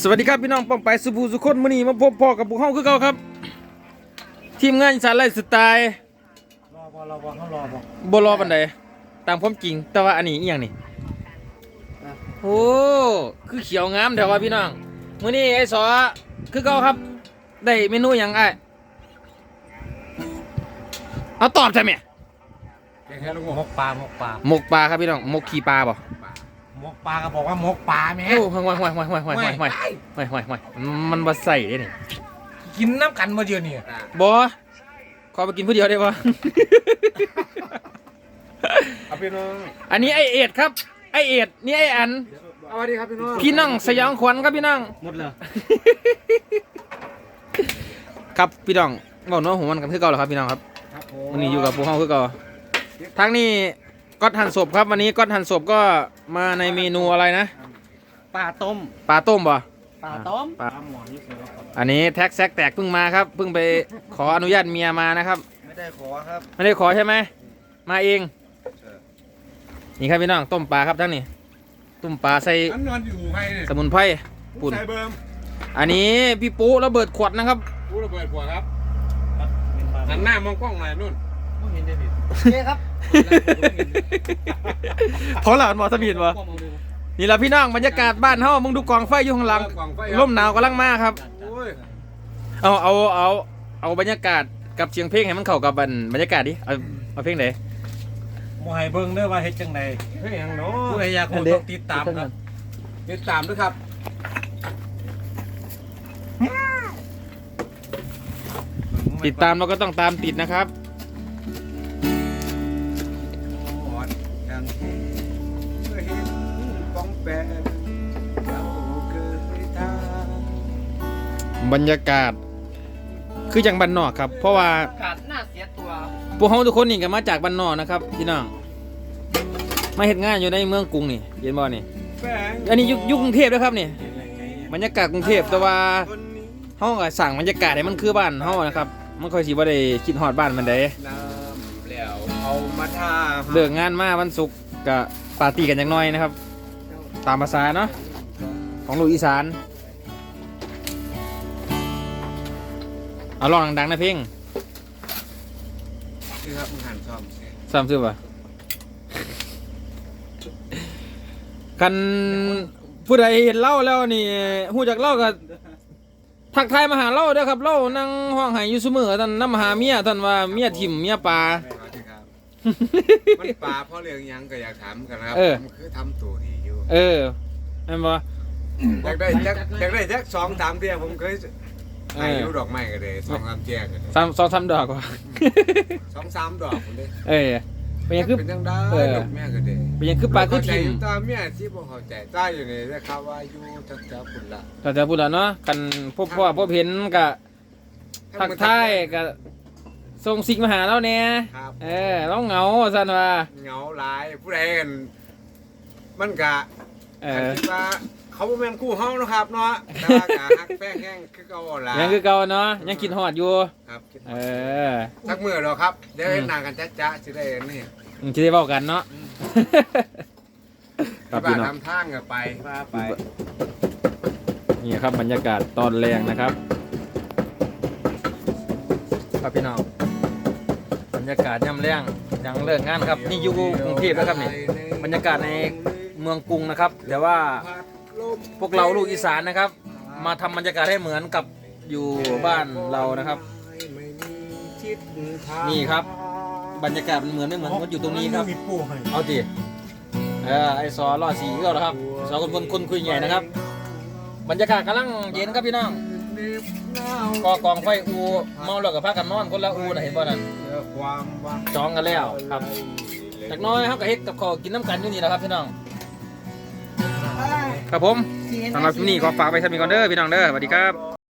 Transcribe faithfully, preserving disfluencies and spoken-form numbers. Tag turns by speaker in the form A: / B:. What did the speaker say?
A: สวัสดีครับพี่น้องป้องไปสุภูสุคนมื้อนี้มาพบพ่อกับพวกเฮาคือเก่าครับทีมงานอีสานไลฟ์สไตล์
B: รอบ่รอบ่เขารอบ่
A: บ่รอปานใดตามความจริงแต่ว่าอันนี้อีหยังนี่โอ้คือเขียวงามแต่ว่าพี่น้องมื้อนี้ไอ้สอคือเก่าครับได้เมนูหยังอ้ายเอาตอบใช่ไหม
B: แค่ลูกหกปลาหกปลา
A: หมกปลาครับพี่น้องหมกขี้ปลาบ่
B: หมกปลาก็บอกว่าหมกปลาแม่
A: โอ้ห่วยห่วยห่วยห่วยห่วยห่วยห่วยห่วยห่วยห่วยมันบ่ใส่เด้นี่
B: กินน้ำกันมาเดียวนี่
A: บ่ขอไปกินผู้เดียวได้บ่
B: เอาพี่น้อง
A: อันนี้ไอเอ็ดครับไอเอ็ดนี่ไออัน
B: สวัสดีครับพี่น้อง
A: พี่นั่งสยองขวัญครับพี่นั่ง
B: หมดเลย
A: ครับพี่น้องบอกน้องหัวมันกันคือเก่าเหรอครับพี่น้องครับ
B: ครับผ
A: วันนี้อยู่กับพวกเขาคือเก่าทางนี้ก๊อตหั่นศพครับวันนี้ก๊อตหั่นศพก็มาในเมนูอะไรนะ
B: ปลาต้ม
A: ปลาต้มบ่
B: ปลาต้ม
A: ปลา
B: หมอนี่คือ
A: อันนี้แท็กแซกแตกเพิ่งมาครับเพิ่งไปขออนุญาตเมียมานะครับ
B: ไม่ได้ขอครับ
A: ไม่ได้ขอใช่ไหมมาเองนี่ครับพี่น้องต้มปลาครับทั้งนี้ต้มปลาใส่
C: อันนอนอยู่ไงเนี่ย
A: สมุนไพรปุ่น
C: ใส่เบิ่ม
A: อันนี้พี่ปุ๊ระเบิดขวดนะครับ
C: กูระเบิดขวดครับหันหน้ามองกล้องหน่อยนู่น
B: ไม่เห็นได้ผิดเจ๊ครับ
A: เพราะหลานหมอสมีนวะนี่แหละพี่น้องบรรยากาศบ้านเฮามึงดูกองไฟอยู่ข้างหลัง
C: กล่องไฟ
A: ลมหนาวกำลังมาครับ
C: โอ้ย
A: เอาเอาเอาเอาบรรยากาศกับเสียงเพลงให้มันเข้ากับบรรยากาศดิเอาเอาเพลงไหน
B: หมอให้เบิ่งเด้อว่าเฮ็ดจังได
C: เฮ้ยยังเนาะ
B: ผู้ใดอยากรู้ต้องติดตามครับ
C: ติดตามด้วยครับ
A: ติดตามเราก็ต้องตามติดนะครับ
C: ยังเคยเห็นป้องแปะเราเคยทา
A: บรรยากาศคืออย่างบ้านนอกครับ เพราะว่า
B: กาดน่าเสียตัว
A: พวกเขาทุกคนนี่ก็มาจากบ้านนอกนะครับพี่น้องมาเฮ็ดงานอยู่ในเมืองกรุงนี่เห็นบ่นี่
C: แฝง
A: อันนี้อยุยุคกรุงเทพด้วยครับนี่บรรยากาศกรุงเทพแต่ว่า
C: คนนี้
A: เฮาก็สั่งบรรยากาศให้มันคือบ้านเฮานะครับมันค่อยสิบ่ได้คิดฮอดบ้านมันได้
C: น้ำแล้วเอามาทา
A: เลิกงานมาวันศุกร์ก็ปาร์ตี้กันจังน้อยนะครับ ตามภาษาเนาะของลูกอีสานเอาร้องดังๆนะเพลง
C: คือครับมึงหันซ่อม
A: ซ้ำซื้อป่ะคันผู้ใดเห็นเล่าแล้วนี่ฮู้จักเล่าก็ทักทายมาหาเล่าเด้อครับเล่านั่งห้องไห้อยู่ซุมื้อท่านนำหาเมียท่านว่าเมียถิ่มเมียปลา
C: มันปลาเพราะเรื่องยังก็อยากถามกันครับ
A: เออ
C: ผมคือทำตัวดีอยู่
A: เออแม่นบ่
C: อยากได้จักอยากได้จักสองสามเที่ยผมเคย
A: เออ
C: ให้ยูดอกไม้กันเลยสองสามเที่ยกันเลย
A: ซ้ำซ้ำดอกว่า
C: สองสามดอกผมเลย
A: เออเป็นหยังคือ
C: เป็นจังได้
A: เออ
C: ดอกแม่กันเลย
A: เป็นหยังคือปลาคือถิ่ม
C: ตาเมียที่ผมเข้าใจใต้อยู่นี่นะครับว่าอยู่จักจักคุณละ
A: แต่จะพูดแล้วเนาะกันพบพ่อพบเห็นก็ทักทายก็ส่งสิ่งมาหาเราแน่
C: ครับ
A: เออเราเหงาซั่นว่า
C: เหงาหลายผู้ใดกันมันกะ
A: เออ
C: คิดว่าเขาบ่แม่นคู่เฮานะครับเนาะแต่ว่ากะฮักแป้งแห้งคือเก่าล่ะ
A: ยังคือเก่าเนาะยังคิดฮอดอยู่
C: ครับคิด
A: เอ
C: ว่า
A: อ
C: สักมื้อดอกครับเดี๋ยวเห็นหน้ากันจ๊ะๆสิได้นี่
A: มึงจะได้เว้ากันเนาะครับ
C: ที่
A: พี่
C: บ้าน
A: น้อง
C: ทำทางก็ไปว่าไป
A: นี่ครับบรรยากาศตอนแรงนะครับ ครับพี่น้องบรรยากาศย่ำแรงยังเลิกงานครับนี่อยู่กรุงเทพนะครับนี่บรรยากาศในเมืองกรุงนะครับแต่ว่าพวกเราลูกอีสานนะครับ มาทำบรรยากาศให้เหมือนกับอยู่บ้านเรานะครับ นี่ครับ บรรยากาศมันเหมือนไม่เหมือนมันอยู่ตรงนี้ครับ
B: มีปูให้
A: เอาดิเออไอซอรอดสีก็แล้วครับซอคนคนคนคุยใหญ่นะครับ บรรยากาศกำลังเย็นครับพี่น้องก็กองไฟอูเมาแล้วกับพากันนอนคนละอูนะเห็นป่ะนั่นจองกันแล้วครับจากน้อยเขาก็เฮ็ดกับข้าวกินน้ำกันอยู่นี่แหละครับพี่น้องครับผมสำหรับที่นี่ขอฝากไปทำมีก่อนเด้อพี่น้องเด้อสวัสดีครับ